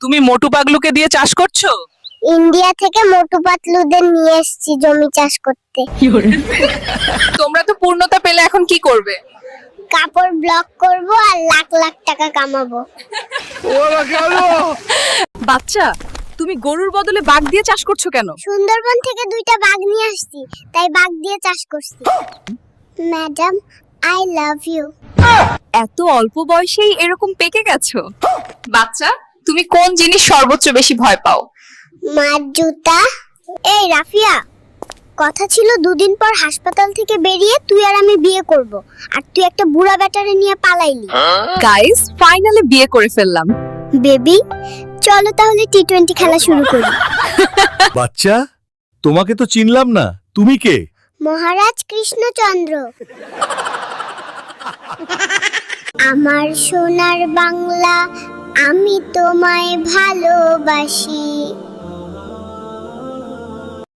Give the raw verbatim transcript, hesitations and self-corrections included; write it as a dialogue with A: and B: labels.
A: তুমি মোটু পাগলুকে দিয়ে চাষ করছো?
B: ইন্ডিয়া থেকে মোটু পাতলুদের নিয়ে এসেছি জমি চাষ করতে।
A: তোমরা তো পূর্ণতা পেলে এখন কি করবে?
B: কাপড় ব্লক করব আর লাখ লাখ টাকা কামাবো।
C: বাচ্চা, তুমি গরুর বদলে বাঘ দিয়ে চাষ করছো কেন?
B: সুন্দরবন থেকে দুইটা বাঘ নিয়ে আসছি, তাই বাঘ দিয়ে চাষ করছি। Madam, I love you.
C: এত অল্প বয়সেই এরকম পেকে গেছো?
A: বাচ্চা, তুমি কোন জিনিস সর্বোচ্চ বেশি ভয় পাও?
B: মার জুতা। এই রাফিয়া, কথা ছিল দুদিন পর হাসপাতাল থেকে বেরিয়ে তুই আর আমি বিয়ে করব, আর তুই একটা বুড়া ব্যাটারে নিয়ে পালাইলি।
C: গাইস, ফাইনালি বিয়ে করে ফেললাম।
B: বেবি, চলো তাহলে টি টোয়েন্টি খেলা শুরু করি।
D: বাচ্চা, তোমাকে তো চিনলাম না, তুমি কে?
B: মহারাজ কৃষ্ণচন্দ্র। আমার সোনার বাংলা, আমি তোমায় ভালোবাসি।